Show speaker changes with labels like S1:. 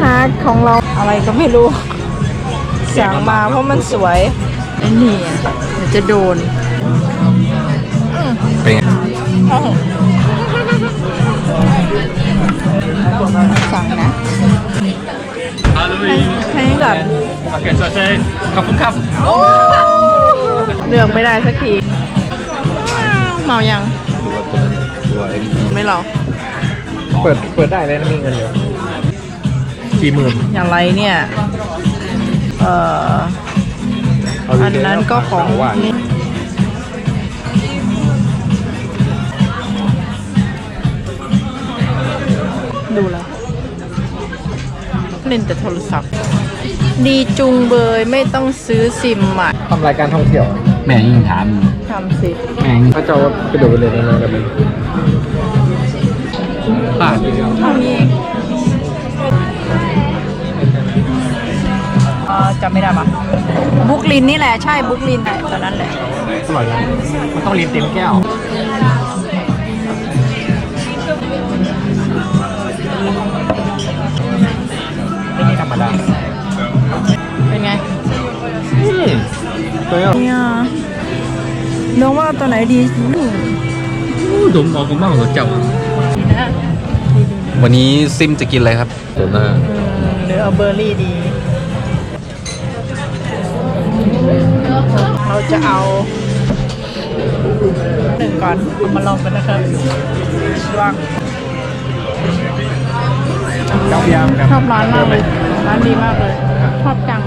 S1: ฮาร์ดของเราอะไรก็ไม่รู้สั่งมาเพราะมันสวยไอ้นี่เดี๋ยวจะโดน
S2: เป็นไง
S1: สั่งนะให้แบบ
S2: โอเคสวัสดีขอบคุณครับ
S1: เลือกไม่ได้สักทีเมายังไม่หรอ
S2: เปิดได้เลยนะมีเงินอยู่40,000
S1: อย่างไรเนี่ยอันนั้นก็ของนี่ดูแล้วเล่นแต่โทรศัพท์ดีจุงเบยไม่ต้องซื้อซิมใหม่
S2: ทำรายการท่องเที่ยวแม่ยิ่งถาม
S1: ทำสิ
S2: แม่พระเจ้ากระโดดไปเลยนะแบบนี้พลาด
S1: เท่านี้จำไม่ได้ปะบุกลินนี่แหละใช่บุกลินแหละตอนนั้นแหละ
S2: อร่อยนะมันต้องลิ้นเต็มแก้วไม่ใช่ธรรมดา
S1: เป็นไง
S2: ตัวนี้
S1: เนี่ยน้องว่าตัวไหนดี
S2: ดมออกมากกว่าเจ้าวันนี้ซิมจะกินอะไรครับเดี๋ยวหน้า
S1: หรือเอาเบอร์รี่ดีเราจะเอาหนึ่งก่อนเอามาลองกันนะครับว่าง
S2: เจ้าพยายาม
S1: ชอบร้านมากเลยร้านดีมากเลยชอบจัง